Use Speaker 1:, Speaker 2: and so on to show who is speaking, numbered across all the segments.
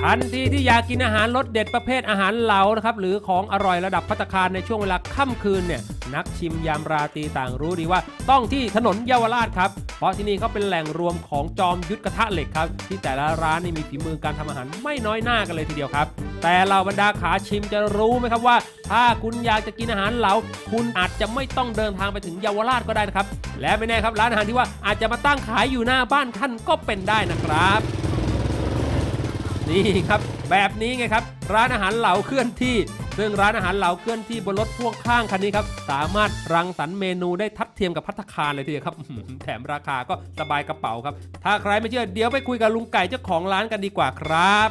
Speaker 1: ทันทีที่อยากกินอาหารรสเด็ดประเภทอาหารเหลานะครับหรือของอร่อยระดับภัตตาคารในช่วงเวลาค่ำคืนเนี่ยนักชิมยามราตรีต่างรู้ดีว่าต้องที่ถนนเยาวราชครับเพราะที่นี่เขาเป็นแหล่งรวมของจอมยุทธกระทะเหล็กครับที่แต่ละร้านนี่มีฝีมือการทำอาหารไม่น้อยหน้ากันเลยทีเดียวครับแต่เหล่าบรรดาขาชิมจะรู้ไหมครับว่าถ้าคุณอยากจะกินอาหารเหลาคุณอาจจะไม่ต้องเดินทางไปถึงเยาวราชก็ได้นะครับและไม่แน่ครับร้านอาหารที่ว่าอาจจะมาตั้งขายอยู่หน้าบ้านท่านก็เป็นได้นะครับนี่ครับแบบนี้ไงครับร้านอาหารเหลาเคลื่อนที่ซึ่งร้านอาหารเหลาเคลื่อนที่บนรถพ่วงข้างคันนี้ครับสามารถรังสรรค์เมนูได้ทัดเทียมกับภัตตาคารเลยทีเดียวครับแถมราคาก็สบายกระเป๋าครับถ้าใครไม่เชื่อเดี๋ยวไปคุยกับลุงไก่เจ้าของร้านกันดีกว่าครับ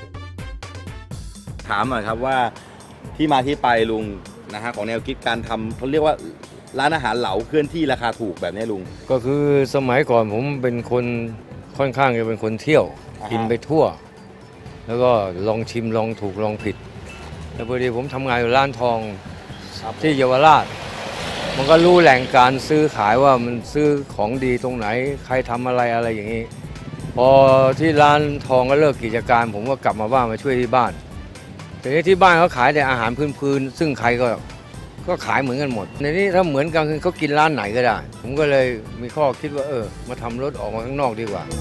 Speaker 2: ถามหน่อยครับว่าที่มาที่ไปลุงนะฮะของแนวคิดการทำเขาเรียกว่าร้านอาหารเหลาเคลื่อนที่ราคาถูกแบบนี้ลุง
Speaker 3: ก็คือสมัยก่อนผมเป็นคนค่อนข้างจะเป็นคนเที่ยวกินไปทั่วแล้วก็ลองชิมลองถูกลองผิดแล้วพอดีผมทำงานอยู่ร้านทองที่เยาวราชมันก็รู้แหล่งการซื้อขายว่ามันซื้อของดีตรงไหนใครทำอะไรอะไรอย่างนี้พอที่ร้านทองก็เลิกกิจการผมก็กลับมาบ้านมาช่วยที่บ้านแต่ที่บ้านเขาขายแต่อาหารพื้นๆซึ่งใครก็ขายเหมือนกันหมดในนี้ถ้าเหมือนกันคือเขากินร้านไหนก็ได้ผมก็เลยมีข้อคิดว่ามาทำรถออกมาข้างนอกดีกว่า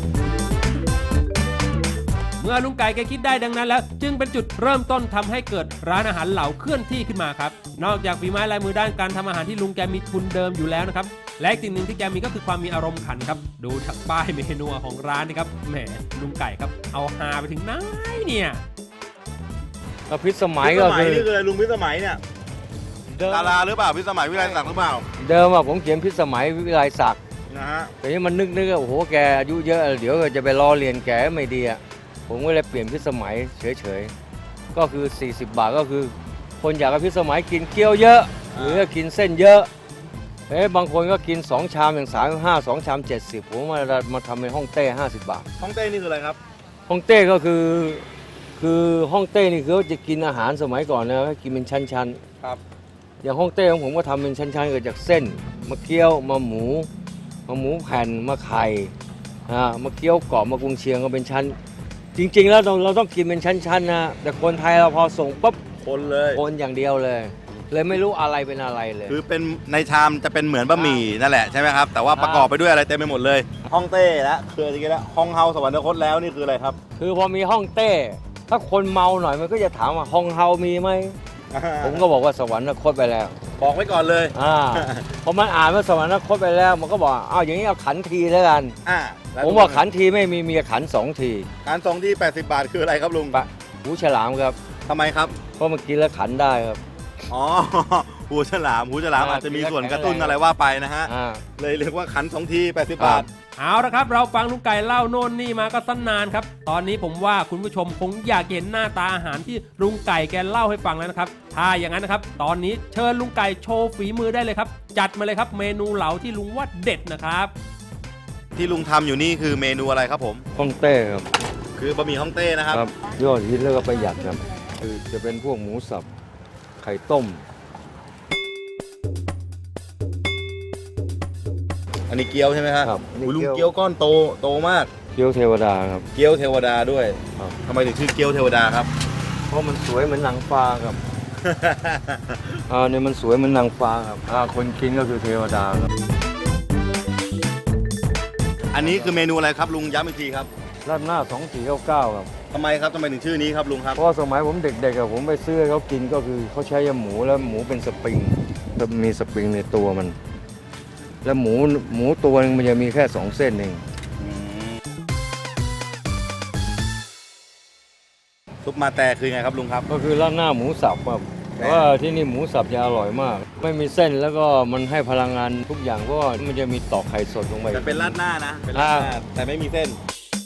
Speaker 1: เมื่อลุงไก่แกคิดได้ดังนั้นแล้วจึงเป็นจุดเริ่มต้นทำให้เกิดร้านอาหารเหลาเคลื่อนที่ขึ้นมาครับนอกจากฝีไม้ลายมือด้านการทำอาหารที่ลุงแกมีทุนเดิมอยู่แล้วนะครับและอีกสิ่งหนึ่งที่แกมีก็คือความมีอารมณ์ขันครับดูจากป้ายเมนูของร้านนี่ครับแหมลุงไก่ครับเอาฮาไปถึงไหนเนี่ย
Speaker 3: พิสมัยก็คือ
Speaker 2: นี่คือลุงพิสมัยเนี่ยดาราหรือเปล่าพิสมัยวิไลศักดิ์หรือเปล่า
Speaker 3: เดิมผมเขียนพิสมัยวิไลศักดิ์
Speaker 2: นะฮะ
Speaker 3: แต่นี้มันนึกโอ้โหแกอายุเยอะเดี๋ยวจะไปล้อเลียนแกไม่ดีอ่ะผมก็เลยเปลี่ยนพิสมัยเฉยๆก็คือ40 บาทก็คือคนอยากกับพิสมัยกินเกี๊ยวเยอะหรือกินเส้นเยอะบางคนก็กิน2 ชามอย่าง35 2 ชาม 70ผมมาทำเป็นฮ่องเต้50 บาท
Speaker 2: ฮ่องเต้นี่คืออะไรครับ
Speaker 3: ฮ่องเต้ก็คือฮ่องเต้นี่คือจะกินอาหารสมัยก่อนนะกินเป็นชั้นๆ
Speaker 2: ครับ
Speaker 3: อย่างฮ่องเต้ของผมก็ทำเป็นชั้นๆเกิดจากเส้นมาเกี๊ยวมาหมูแผ่นมาไข่มาเกี๊ยวกรอบมากุนเชียงก็เป็นชั้นจริงๆแล้วเราต้องกินเป็นชั้นๆนะแต่คนไทยเราพอส่งปุ๊บคนอย่างเดียวเลยไม่รู้อะไรเป็นอะไรเลย
Speaker 2: คือเป็นในชามจะเป็นเหมือนบะหมี่นั่นแหละใช่ไหมครับแต่ว่าประกอบไปด้วยอะไรเต็มไปหมดเลยฮ่องเต้แล้วคือจริงๆแล้วฮ่องเฮาสวรรคตแล้วนี่คืออะไรครับ
Speaker 3: คือพอมีฮ่องเต้ถ้าคนเมาหน่อยมันก็จะถามว่าฮ่องเฮามีไหมผมก็บอกว่าสวรรคตไปแล้ว
Speaker 2: บอกไว้ก่อนเลย
Speaker 3: พอมันอ่านว่าสวรรคตไปแล้วมันก็บอกอย่างนี้เอาขันทีแล้วกันผมบอกขันทีไม่มีขัน2 ที
Speaker 2: ขัน2 ที80 บาทคืออะไรครับลุง
Speaker 3: หูฉลามครับ
Speaker 2: ทำไมครับ
Speaker 3: เพราะมันกินแล้วขันได้ครับ
Speaker 2: หูฉลามอาจจะมีส่วนกระตุ้นอะไรว่าไปนะฮะเลยเรียกว่าขัน2 ที80 บาท
Speaker 1: เอาละครับเราฟังลุงไก่เล่าโน่นนี่มาก็ตั้งนานครับตอนนี้ผมว่าคุณผู้ชมคงอยากเห็นหน้าตาอาหารที่ลุงไก่แกเล่าให้ฟังแล้วนะครับถ้าอย่างนั้นนะครับตอนนี้เชิญลุงไก่โชว์ฝีมือได้เลยครับจัดมาเลยครับเมนูเหลาที่ลุงว่าเด็ดนะครับ
Speaker 2: ที่ลุงทำอยู่นี่คือเมนูอะไรครับผม
Speaker 3: ฮ่องเต้ครับ
Speaker 2: คือบะหมี่ฮ่องเต้นะครับ
Speaker 3: ยอดฮิตแล้วก็ประหยัดครับคือจะเป็นพวกหมูสับไข่ต้ม
Speaker 2: อันนี้เกี๊ยวใช่ไหมครับลุงเกี๊ยวก้อนโตมาก
Speaker 3: เกี๊ยวเทวดาครับ
Speaker 2: เกี๊ยวเทวดาด้วยทำไมถึงชื่อเกี๊ยวเทวดาครับ
Speaker 3: เพราะมันสวยเหมือนนางฟ้าครับเนี่ยมันสวยเหมือนนางฟ้าครับคนกินก็คือเทวดาครับ
Speaker 2: อันนี้คือเมนูอะไรครับลุงย้ำอีกทีครับ
Speaker 3: ราดหน้า2499ครับ
Speaker 2: ทำไมถึงชื่อนี้ครับลุงครับ
Speaker 3: เพราะสมัยผมเด็กๆผมไปซื้อให้เขากินก็คือเขาใช้ยาหมูแล้วหมูเป็นสปริงมีสปริงในตัวมันแล้วหมูตัวนึงมันจะมีแค่2 เส้นเอง
Speaker 2: ซุปมาแต่คือไงครับลุงครับ
Speaker 3: ก็คือราดหน้าหมูสับครับแต่ว่าที่นี่หมูสับจะอร่อยมากไม่มีเส้นแล้วก็มันให้พลังงานทุกอย่างเพราะว่ามันจะมีตอกไข่สดลงไป
Speaker 2: แต่เป็นราดหน้านะเป็นราดหน้าแต่ไม่มีเส้น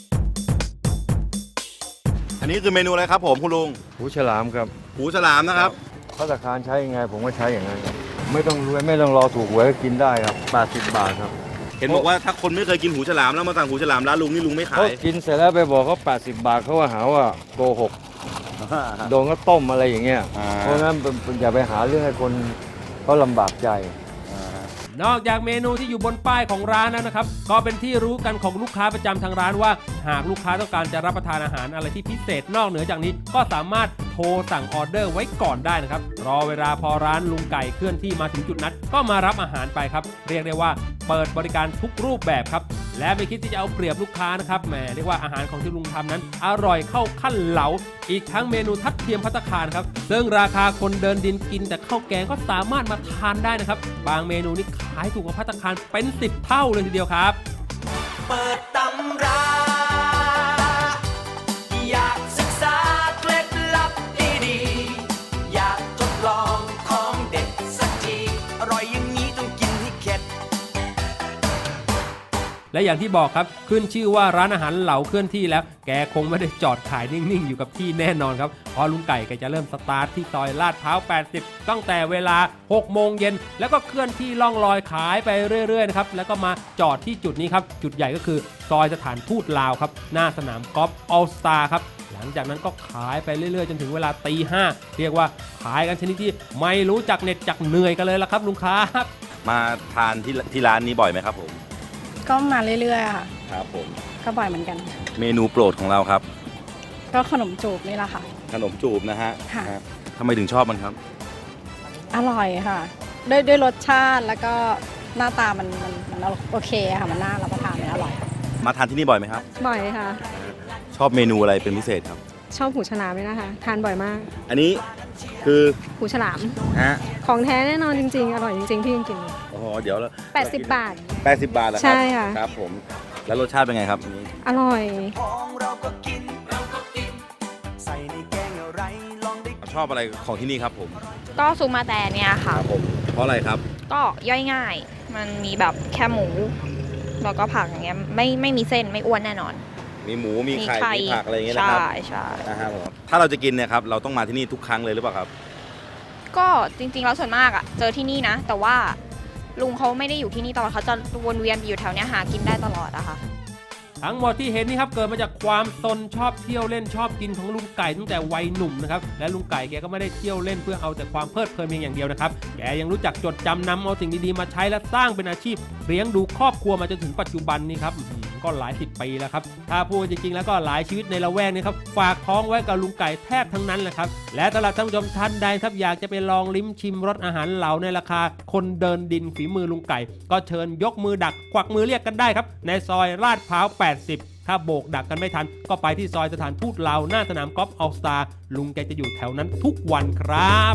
Speaker 2: อันนี้คือเมนูอะไรครับผมคุณลุง
Speaker 3: หูฉลามครับ
Speaker 2: หูฉลามนะครับ
Speaker 3: ภัตตาคารใช้ยังไงผมก็ใช้อย่างนั้นครับไม่ต้องรวยไม่ต้องรอถูกหวยก็กินได้ครับ80 บาทครับ
Speaker 2: เห็นบอกว่าถ้าคนไม่เคยกินหูฉลามแล้วมาสั่งหูฉลามร้านลุงนี่ลุงไม่ขาย
Speaker 3: กินเสร็จแล้วไปบอกเขา80 บาทเขาว่าหาว่าโกหกโดนก็ต้มอะไรอย่างเงี้ยเพราะฉะนั้นอย่าไปหาเรื่องให้คนเขาลำบากใจ
Speaker 1: นอกจากเมนูที่อยู่บนป้ายของร้านแล้วนะครับก็เป็นที่รู้กันของลูกค้าประจำทางร้านว่าหากลูกค้าต้องการจะรับประทานอาหารอะไรที่พิเศษนอกเหนือจากนี้ก็สามารถโทรสั่งออเดอร์ไว้ก่อนได้นะครับรอเวลาพอร้านลุงไก่เคลื่อนที่มาถึงจุดนัดก็มารับอาหารไปครับเรียกได้ว่าเปิดบริการทุกรูปแบบครับและไม่คิดที่จะเอาเปรียบลูกค้านะครับแหมเรียกว่าอาหารของที่ลุงทำนั้นอร่อยเข้าขั้นเหลาอีกทั้งเมนูทัดเทียมภัตตาคารครับซึ่งราคาคนเดินดินกินแต่ข้าวแกงก็สามารถมาทานได้นะครับบางเมนูนี่ขายถูกกว่าภัตตาคารเป็น10เท่าเลยทีเดียวครับ
Speaker 4: เปิดตำราอยากศึกษาเคล็ดลับดีๆอยากทดลองของเด็ดสักทีอร่อยอย่างนี้ต้องกินให้เข็ด
Speaker 1: และอย่างที่บอกครับขึ้นชื่อว่าร้านอาหารเหลาเคลื่อนที่แล้วแกคงไม่ได้จอดขายนิ่งๆอยู่กับที่แน่นอนครับเพราะลุงไก่แกจะเริ่มสตาร์ทที่ซอยลาดพร้าว80ตั้งแต่เวลา6โมงเย็นแล้วก็เคลื่อนที่ล่องลอยขายไปเรื่อยๆนะครับแล้วก็มาจอดที่จุดนี้ครับจุดใหญ่ก็คือซอยสถานทูตลาวครับหน้าสนามกอล์ฟออลสตาร์ครับหลังจากนั้นก็ขายไปเรื่อยๆจนถึงเวลาตี 5เรียกว่าขายกันชนิดที่ไม่รู้จักเหน็ดจักเหนื่อยกันเลยละครับลุงครับ
Speaker 2: มาทานที่ร้านนี้บ่อยไหมครับผม
Speaker 5: ก็มาเรื่อยๆค่ะ
Speaker 2: ครับผม
Speaker 5: ก็บ่อยเหมือนกัน
Speaker 2: เมนูโปรดของเราครับ
Speaker 5: ก็ขนมจูบนี่แหละค่ะ
Speaker 2: ขนมจูบนะฮะ
Speaker 5: ค่ะ
Speaker 2: ทำไมถึงชอบมันครับ
Speaker 5: อร่อยค่ะด้วยรสชาติแล้วก็หน้าตามันโอเคค่ะมันน่ารับประทานมันอร่อย
Speaker 2: มาทานที่นี่บ่อยไหมครับ
Speaker 6: บ่อยค่ะ
Speaker 2: ชอบเมนูอะไรเป็นพิเศษครับ
Speaker 6: ชอบหูฉลามเลยนะคะทานบ่อยมาก
Speaker 2: อันนี้คือ
Speaker 6: หูฉลาม
Speaker 2: ฮะ
Speaker 6: ของแท้แน่นอนจริงๆอร่อยจริงๆพี่จริง
Speaker 2: ๆอ๋อเดี๋ยวแล้ว
Speaker 6: 80 บาท
Speaker 2: 80 บาทแล้วครับ
Speaker 6: ใช่ค่ะ
Speaker 2: ครับผมแล้วรสชาติเป็นไงครับนี้
Speaker 6: อร่อย
Speaker 2: ชอบอะไรของที่นี่ครับผม
Speaker 7: ก็ซุปมาแต่เนี่ยค่ะ
Speaker 2: ผมเพราะอะไรครับ
Speaker 7: ก็ย่อยง่ายมันมีแบบแค่หมูแล้วก็ผักอย่างเงี้ยไม่มีเส้นไม่อ้วนแน่นอน
Speaker 2: มีหมูมีไข่มีผักอะไรอย่างเงี้ยนะครับ
Speaker 7: ใช่
Speaker 2: นะครับผมถ้าเราจะกินเนี่ยครับเราต้องมาที่นี่ทุกครั้งเลยหรือเปล่าครับ
Speaker 7: ก็จริงๆแล้วส่วนมากอ่ะเจอที่นี่นะแต่ว่าลุงเขาไม่ได้อยู่ที่นี่ตลอดเขาจะวนเวียนอยู่แถวเนี้ยหากินได้ตลอดอะค่ะ
Speaker 1: ทั้งหมดที่เห็นนี่ครับเกิดมาจากความซนชอบเที่ยวเล่นชอบกินของลุงไก่ตั้งแต่วัยหนุ่มนะครับและลุงไก่แกก็ไม่ได้เที่ยวเล่นเพื่อเอาแต่ความเพลิดเพลินเพียงอย่างเดียวนะครับแกยังรู้จักจดจำนำเอาสิ่งดีๆมาใช้และสร้างเป็นอาชีพเลี้ยงดูครอบครัวมาจนถึงปัจจุบันนี้ครับก็หลาย10 ปีแล้วครับถ้าพูดจริงๆแล้วก็หลายชีวิตในละแวกนี้ครับฝากท้องไว้กับลุงไก่แทบทั้งนั้นแหละครับและตลาดท่านผู้ชมท่านใดครับอยากจะไปลองลิ้มชิมรสอาหารเหลาในราคาคนเดินดินฝีมือลุงไก่ก็เชิญยกมือดักควักมือเรียกกันได้ครับในซอยลาดพร้าว80ถ้าโบกดักกันไม่ทันก็ไปที่ซอยสถานทูตลาวหน้าสนามกอล์ฟออลสตาร์ลุงแกจะอยู่แถวนั้นทุกวันครับ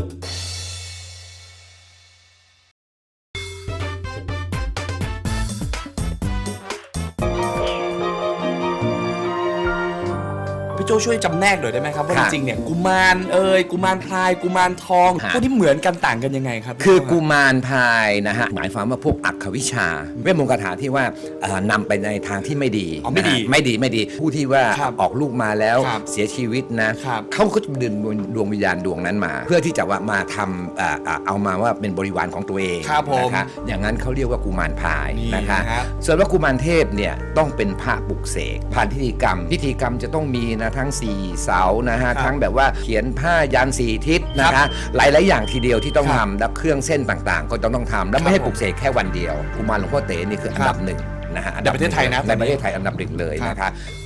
Speaker 8: พี่โจช่วยจำแนกหน่อยได้ไหมครับว่าจริงๆเนี่ยกุมารกุมารพลายกุมารทองพวกนี้เหมือนกันต่างกันยังไงครับ
Speaker 9: คือกุมารพลายนะฮะหมายความว่าพวกอักขวิชาเวทมนต์คาถาที่ว่านำไปในทางที่ไม่ดีไม่ดีผู้ที่ว่าออกลูกมาแล้วเสียชีวิตนะเขาก็จะดึงดวงวิญญาณดวงนั้นมาเพื่อที่จะว่ามาทำเอามาว่าเป็นบริวารของตัวเองนะคะอย่างนั้นเขาเรียกว่ากุมารพลายนะคะส่วนว่ากุมารเทพเนี่ยต้องเป็นพระปลุกเสกผ่านพิธีกรรมจะต้องมีนะทั้ง4เสานะฮะทั้งแบบว่าเขียนผ้ายัน4ทิศนะคะหลายๆอย่างทีเดียวที่ต้องทำและเครื่องเส้นต่างๆก็ต้องทำแล้วไม่ให้ปลุกเสกแค่วันเดียวกุมารหลวงพ่อเต๋นี่คืออันดับ1นะฮะ
Speaker 8: ในประเทศไทยนะ
Speaker 9: ในประเทศไทยอันดับ1เลยนะคะ